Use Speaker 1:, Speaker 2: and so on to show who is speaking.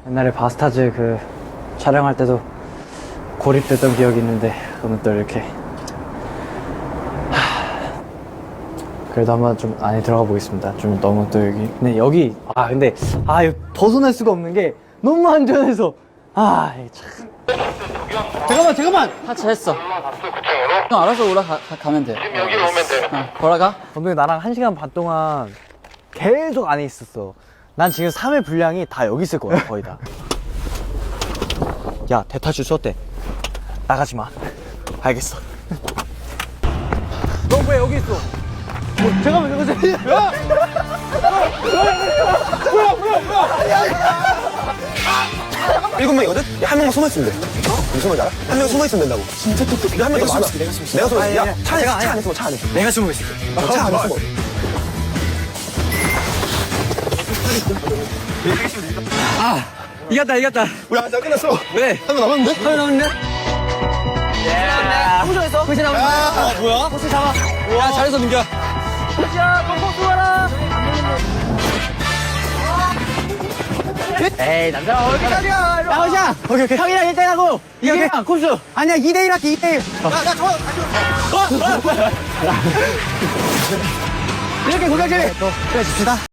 Speaker 1: 옛날에 바스타즈 그 촬영할 때도 고립됐던 기억이 있는데 오늘 또 이렇게 그래도 한번 좀 안에 들어가 보겠습니다. 좀 너무 또 여기 근데 여기 근데 이거 벗어날 수가 없는 게 너무 안전해서 이게 참. 잠깐만
Speaker 2: 하차했어. 형 알아서 올라가면 돼.
Speaker 3: 지금 여기로 오면 돼.
Speaker 2: 걸어가?
Speaker 1: 감독님 나랑 1시간 반 동안 계속 안에 있었어. 난 지금 3회 분량이 다 여기 있을 거야 거의 다. 야 대타출 쏘대 나가지 마. 알겠어. 너 왜 여기 있어? 잠깐만. 뭐야?
Speaker 3: 일곱 명이거든? 한 명만 숨어있으면 돼. 무슨 말인지 알아? 한 명 숨어있으면 된다고. 진짜 똑똑해. 한 명 더 숨어. 내가 숨어. 야, 차 안에 숨어, 차 안에.
Speaker 1: 내가 숨어 있을게.
Speaker 3: 차 안에 숨어.
Speaker 2: 이겼다.
Speaker 3: 우리 아직 안 끝났어.
Speaker 2: 왜?
Speaker 3: 한 명 남았는데?
Speaker 2: 하면 나오는데?
Speaker 1: 호주에서 그치 나와.
Speaker 3: 뭐야?
Speaker 1: 호수 잡아.
Speaker 2: 야, 잘해서 민규야.
Speaker 1: 야, 콩콩 와라. 에이, 남자 어디까지야? 야, 호시야. 오케이. 형이랑 1대1 하고. 이게 코스. 아니야, 2대1 할게, 2대1.
Speaker 3: 야, 좋아.
Speaker 1: 이렇게 고경재. 또, 그래, 줍시다.